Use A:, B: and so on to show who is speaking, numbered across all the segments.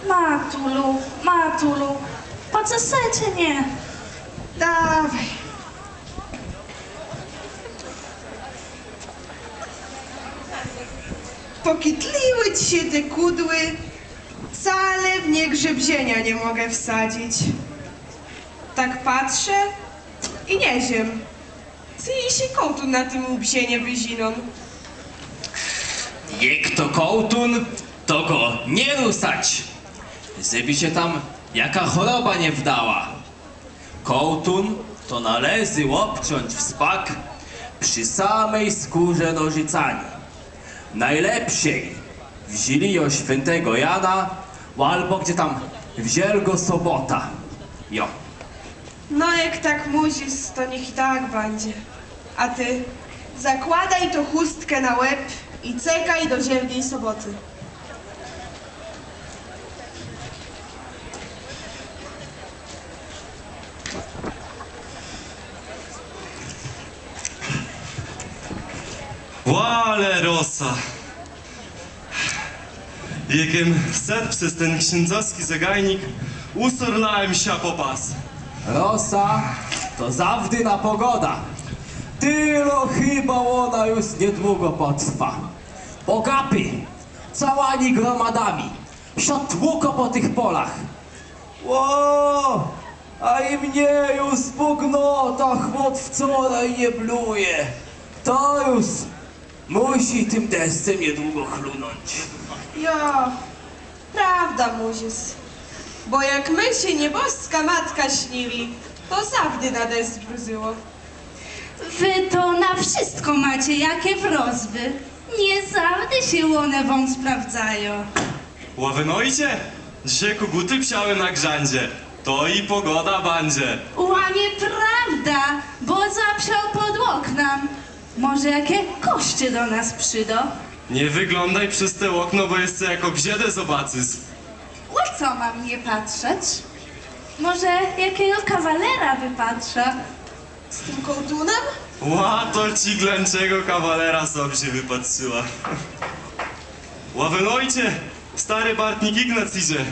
A: Matulu, Matulu, poczesajcie mnie.
B: Dawaj. Pokitliły ci się te kudły, wcale w nie grzebzienia nie mogę wsadzić. Tak patrzę i nie ziem. Co jej się kołtu na tym łbsie nie wyzinon?
C: Jak to kołtun, to go nie rusać, żeby się tam jaka choroba nie wdała. Kołtun to należy obciąć w spak przy samej skórze nożycani. Najlepszej wzięli ją świętego Jana, albo gdzie tam wzięli go sobota. Jo.
B: No jak tak musisz, to niech i tak będzie. A ty zakładaj to chustkę na łeb i czekaj do zielskiej soboty.
D: Łale rosa! Jakiem set przez ten księdzowski zagajnik usorlałem się po pas.
C: Rosa to zawdyna pogoda. Tylo chyba ona już niedługo potrwa. Bogapy, całani gromadami, siotłuko po tych polach. Ło, a i mnie już pognota chłop wczoraj nie bluje. To już musi tym deszczem niedługo chlunąć.
B: Jo, prawda musisz. Bo jak my się nieboska matka śnili, to zawdy na deszcz bruzyło.
A: Wy to na wszystko macie jakie wrozby. Nie zawsze się one wam sprawdzają.
D: Ławynojcie, dzisiaj koguty psiały na grzandzie. To i pogoda będzie.
A: Łamie prawda, bo zapsiał pod oknem. Może jakie koście do nas przydą?
D: Nie wyglądaj przez te okno, bo jeszcze jako bziedę zobaczysz.
A: O co mam nie patrzeć? Może jakiego kawalera wypatrzę?
B: Z tym kołtunem?
D: Ła, to ci glęczego kawalera sobie się wypatrzyła. Ławynojcie, stary Bartnik Ignac idzie.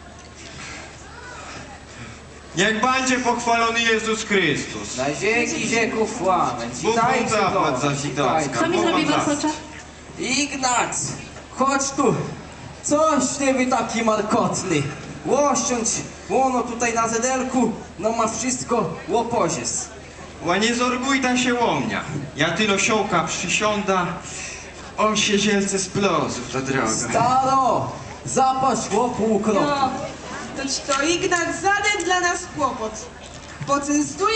E: Niech będzie pochwalony Jezus Chrystus.
F: Na wieki wieków łamę.
E: Bóg
F: Witajcie
E: zapłać
F: do
E: za
F: nas,
E: Zidowska.
F: witajcie.
A: Co mi zrobi Warkocza?
C: Ignac, chodź tu. Coś ty wy taki markotny. Łościąć, łono tutaj na zedelku, no ma wszystko łopozies.
E: Ła nie zorguj ta się łomnia. Ja tylo siołka przysiąda, on się zielce z plozów, ta droga.
C: Staro, zapaść łopu ukropny.
B: Jo, to ci to Ignat zaden dla nas kłopot. Poczęstuje